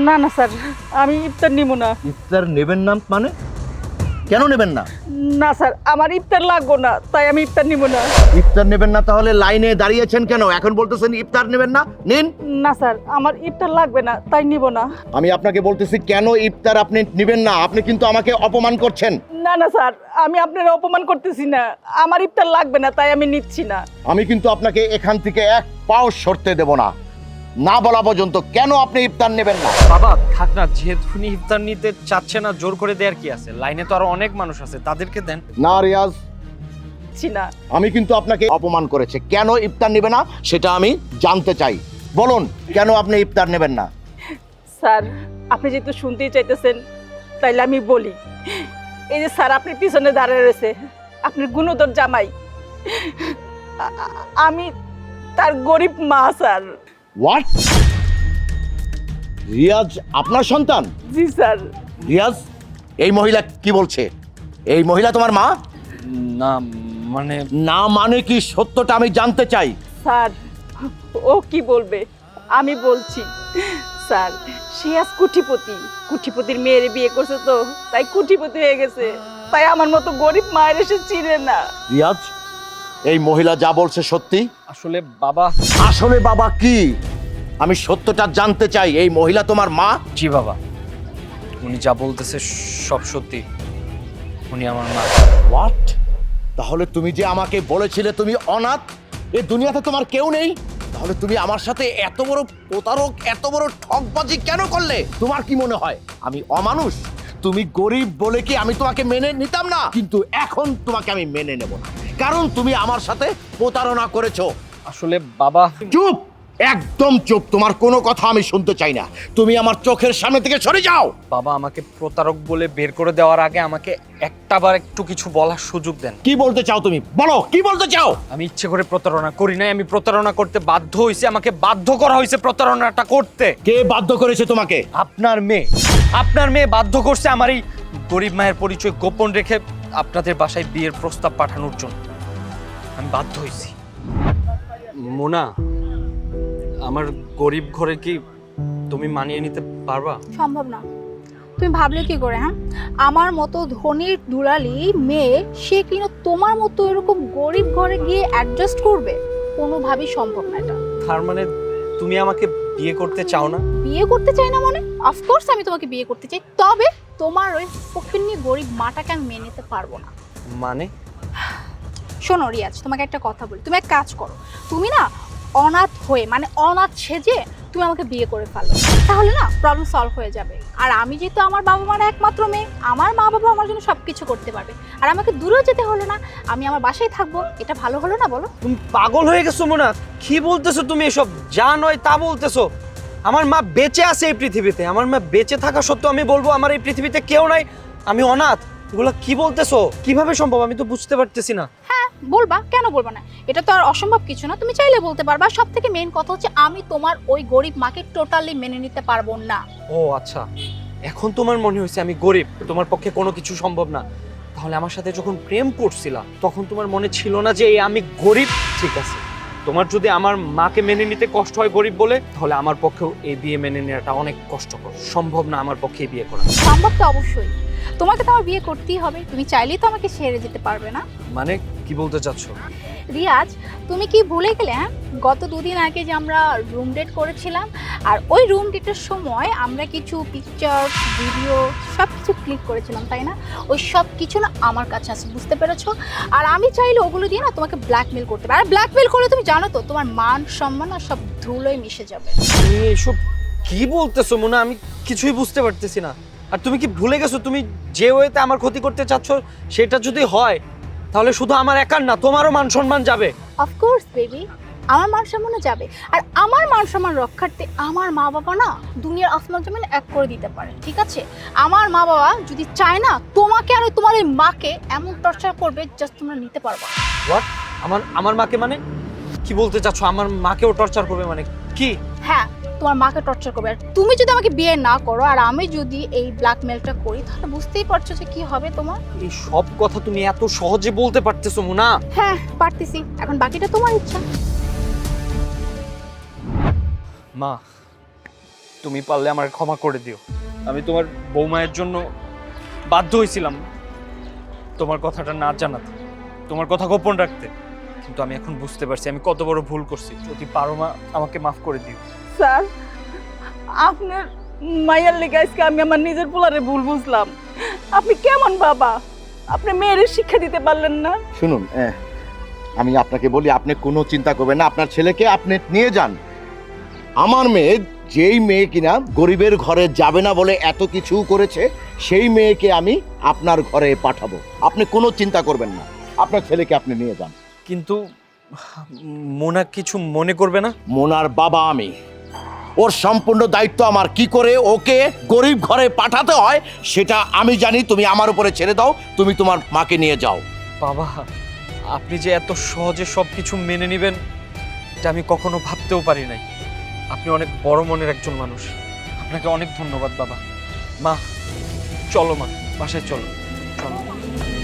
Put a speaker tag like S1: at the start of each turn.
S1: না না স্যার, আমি ইফতার নিব না।
S2: ইফতার নেবেন না মানে? কেন নেবেন না?
S1: না স্যার, আমার ইফতার লাগবো না, তাই আমি ইফতার নিব না।
S2: ইফতার নেবেন না তাহলে লাইনে দাঁড়িয়েছেন কেন? এখন বলতেছেন ইফতার নেবেন না, নিন।
S1: না স্যার, আমার ইফতার লাগবে না, তাই নিব না।
S2: আমি আপনাকে বলতেছি কেন ইফতার আপনি নেবেন না? আপনি কিন্তু আমাকে অপমান করছেন।
S1: না না স্যার, আমি আপনার অপমান করতেছি না, আমার ইফতার লাগবে না, তাই আমি নিচ্ছি না।
S2: আমি কিন্তু আপনাকে এখান থেকে এক পাও সরতে দেব না, না বলা পর্যন্ত। কেন আপনি ইফতার নেবেন না?
S3: বাবা থাক না, যেহেতু উনি ইফতার নিতে চাচ্ছে না, জোর করে দেওয়ার কি আছে? লাইনে তো আরো অনেক মানুষ আছে, তাদেরকে দেন।
S2: না রিয়াজ,
S1: ছি না।
S2: আমি কিন্তু আপনাকে অপমান করেছে। কেন ইফতার নেবে না সেটা আমি জানতে চাই। বলুন কেন আপনি ইফতার নেবেন না?
S1: স্যার, আপনি যেহেতু শুনতেই চাইতেছেন, তাইলে আমি বলি। এই যে স্যার, আপনি পিছনে দাঁড়িয়ে রয়েছে, আপনার গুণধর জামাই, আমি তার গরিব মা স্যার।
S2: হোয়াট? রিয়াজ আপনার সন্তান?
S1: জি স্যার।
S2: রিয়াজ, এই মহিলা কি বলছে? এই মহিলা তোমার মা?
S3: না মানে
S2: না মানে কি? সত্যটা আমি জানতে চাই।
S1: স্যার, ও কি বলবে, আমি বলছি। স্যার, সে আজ কুঠিপতি, কুঠিপতির মেয়ের বিয়ে করছে, তো তাই কুঠিপতি হয়ে গেছে, তাই আমার মতো গরিব মায়ের এসে চিনে না।
S2: রিয়াজ, এই মহিলা যা বলছে সত্যি?
S3: আসলে বাবা।
S2: আসলে বাবা কি? আমি সত্যটা জানতে চাই। এই মহিলা তোমার মা?
S3: জি বাবা, উনি যা বলতেছে সব সত্যি, উনি আমার মা।
S2: হোয়াট? তাহলে তুমি যে আমাকে বলেছিলে তুমি অনাথ, এই দুনিয়াতে তোমার কেউ নেই, তাহলে তুমি আমার সাথে এত বড় প্রতারক, এত বড় ঠকবাজি কেন করলে? তোমার কি মনে হয় আমি অমানুষ? তুমি গরিব বলে কি আমি তোমাকে মেনে নিতাম না? কিন্তু এখন তোমাকে আমি মেনে নেব না, কারণ তুমি আমার সাথে প্রতারণা করেছো।
S3: আসলে বাবা।
S2: চুপ, একদম চুপ। তোমার কোনো কথা আমি শুনতে চাই না। তুমি আমার চোখের সামনে থেকে সরে যাও।
S3: বাবা আমাকে প্রতারক বলে বের করে দেওয়ার আগে আমাকে একটাবার একটু কিছু বলার সুযোগ দেন।
S2: কি বলতে চাও তুমি? বলো, কি বলতে চাও?
S3: আমি ইচ্ছে করে প্রতারণা করি নাই, আমি প্রতারণা করতে বাধ্য হয়েছি, আমাকে বাধ্য করা হয়েছে প্রতারণাটা করতে।
S2: কে বাধ্য করেছে তোমাকে?
S3: আপনার মেয়ে। আপনার মেয়ে বাধ্য করছে আমার এই গরিব মায়ের পরিচয় গোপন রেখে আপনাদের বাসায় বিয়ের প্রস্তাব পাঠানোর জন্য। আমি বাধ্য হয়েছি। মোনা, আমার গরিব ঘরে কি তুমি মানিয়ে নিতে পারবা?
S4: সম্ভব না। তুমি ভাবলে কি করে? হ্যাঁ, আমার মতো ধনীর দুলালি মেয়ে, সে কিনা তোমার মতো এরকম গরিব ঘরে গিয়ে অ্যাডজাস্ট করবে? কোনোভাবেই সম্ভব না এটা।
S3: তার মানে তুমি আমাকে বিয়ে করতে চাও না?
S4: বিয়ে করতে চাই না মানে? অফকোর্স আমি তোমাকে বিয়ে করতে চাই, তবে তোমার ওই ফকিন্নি গরিব মাটাকে আমি মেনে নিতে পারবো না।
S3: মানে?
S4: শোনো রিয়াজ, তোমাকে একটা কথা বলি, তুমি এক কাজ করো, তুমি না অনাথ হয়ে, মানে অনাথ সেজে তুমি আমাকে বিয়ে করে ফেলো, তাহলে না প্রবলেম সলভ হয়ে যাবে। আর আমি যেহেতু আমার বাবা মার একমাত্র মেয়ে, আমার মা বাবা আমার জন্য সব কিছু করতে পারবে, আর আমাকে দূরেও যেতে হলো না, আমি আমার বাসায় থাকবো। এটা ভালো হলো না বলো?
S3: তুমি পাগল হয়ে গেছো মোনা? কি বলতেছো তুমি এসব? যা নয় তা বলতেছো। আমার মা বেঁচে আছে এই পৃথিবীতে, আমার মা বেঁচে থাকা সত্ত্বেও আমি বলবো আমার এই পৃথিবীতে কেউ নাই, আমি অনাথ? এগুলো কি বলতেছো? কিভাবে সম্ভব? আমি তো বুঝতে পারতেছি না।
S4: হ্যাঁ বলবা, কেন বলবা না? এটা তো আর অসম্ভব কিছু না, তুমি চাইলে বলতে পারবা। সব থেকে মেইন কথা হচ্ছে আমি তোমার ওই গরিব মাকে টোটালি মেনে নিতে পারবো না।
S3: ও আচ্ছা, এখন তোমার মনে হয়েছে আমি গরিব, তোমার পক্ষে কোনো কিছু সম্ভব না। তাহলে আমার সাথে যখন প্রেম করছিলা তখন তোমার মনে ছিল না যে এই আমি গরিব? ঠিক আছে, তোমার যদি আমার মাকে মেনে নিতে কষ্ট হয় গরিব বলে, তাহলে আমার পক্ষেও এই বিয়ে মেনে নেওয়াটা অনেক কষ্টকর। সম্ভব না আমার পক্ষে এই বিয়ে করা।
S4: সম্ভব তো অবশ্যই, তোমাকে তো আমার বিয়ে করতেই হবে, তুমি চাইলেই তো আমাকে ছেড়ে যেতে পারবে না।
S3: মানে কি বলতে চাচ্ছ?
S4: রিয়াজ, তুমি কি ভুলে গেলে? হ্যাঁ, গত দুদিন আগে যে আমরা রুম ডেট করেছিলাম, আর ওই রুম ডেটের সময় আমরা কিছু পিকচার, ভিডিও সব কিছু ক্লিক করেছিলাম, তাই না? ওই সব কিছু না আমার কাছে আছে, বুঝতে পেরেছো? আর আমি চাইলে ওগুলো দিয়ে না তোমাকে ব্ল্যাকমেল করতে পারি, আর ব্ল্যাকমেল করলে তুমি জানো তো তোমার মান সম্মান না সব ধুলোয় মিশে যাবে।
S3: তুমি এসব কি বলতেছো মোনা? আমি কিছুই বুঝতে পারতেছি না। আর তুমি কি ভুলে গেছো তুমি যে ওয়েতে আমার ক্ষতি করতে চাচ্ছ, সেটা যদি হয় তাহলে শুধু আমার একার না, তোমারও মান সম্মান যাবে।
S4: অফকোর্স বেবি, আমার মান সম্মানও যাবে, আর আমার মান সম্মান রক্ষার্থে আমার মা বাবা না দুনিয়ার আসমান জমিন এক করে দিতে পারে, ঠিক আছে? আমার মা বাবা যদি চায় না, তোমাকে আর তোমার ওই মাকে এমন টর্চার করবে জাস্ট তোমরা নিতে পারবে না।
S3: হোয়াট? আমার মাকে মানে কি বলতে চাচ্ছ? আমার মাকেও টর্চার করবে মানে কি?
S4: হ্যাঁ, তোমার মাকে টর্চার করবে, আর তুমি যদি আমাকে বিয়ে না করো আর আমি যদি এই ব্ল্যাকমেলটা করি, তাহলে বুঝতেই পারছো যে কি হবে তোমার।
S3: এই সব কথা তুমি এত সহজে বলতে পারতেছো মোনা?
S4: হ্যাঁ পারতেছি, এখন বাকিটা তোমার ইচ্ছা।
S3: মা, তুমি পারলে আমার ক্ষমা করে দিও। আমি তোমার বৌমায়ের জন্য বাধ্য হয়েছিলাম তোমার কথাটা না জানাতে, তোমার কথা গোপন রাখতে, কিন্তু আমি এখন বুঝতে পারছি আমি কত বড় ভুল করছি। যদি পারো মা, আমাকে মাফ করে দিও।
S1: স্যার, আপনার মায়ের লেগে আজকে আমি আমার নিজের পোলারে ভুল বুঝলাম। আপনি কেমন বাবা? আপনি মেয়ের শিক্ষা দিতে পারলেন না?
S2: শুনুন, আমি আপনাকে বলি, আপনি কোনো চিন্তা করবেন না, আপনার ছেলেকে আপনি নিয়ে যান। আমার মেয়ে, যেই মেয়ে কিনা গরিবের ঘরে যাবে না বলে এত কিছু করেছে, সেই মেয়েকে আমি আপনার ঘরে পাঠাবো। আপনি কোনো চিন্তা করবেন না, আপনার ছেলেকে আপনি নিয়ে যান।
S3: কিন্তু মোনা কিছু মনে করবে না?
S2: মোনার বাবা আমি, ওর সম্পূর্ণ দায়িত্ব আমার। কি করে ওকে গরিব ঘরে পাঠাতে হয় সেটা আমি জানি। তুমি আমার উপরে ছেড়ে দাও, তুমি তোমার মাকে নিয়ে যাও।
S3: বাবা, আপনি যে এত সহজে সব কিছু মেনে নেবেন এটা আমি কখনো ভাবতেও পারি নাই। আপনি অনেক বড় মনের একজন মানুষ, আপনাকে অনেক ধন্যবাদ বাবা। মা চলো, মা বাসায় চলো, চলো।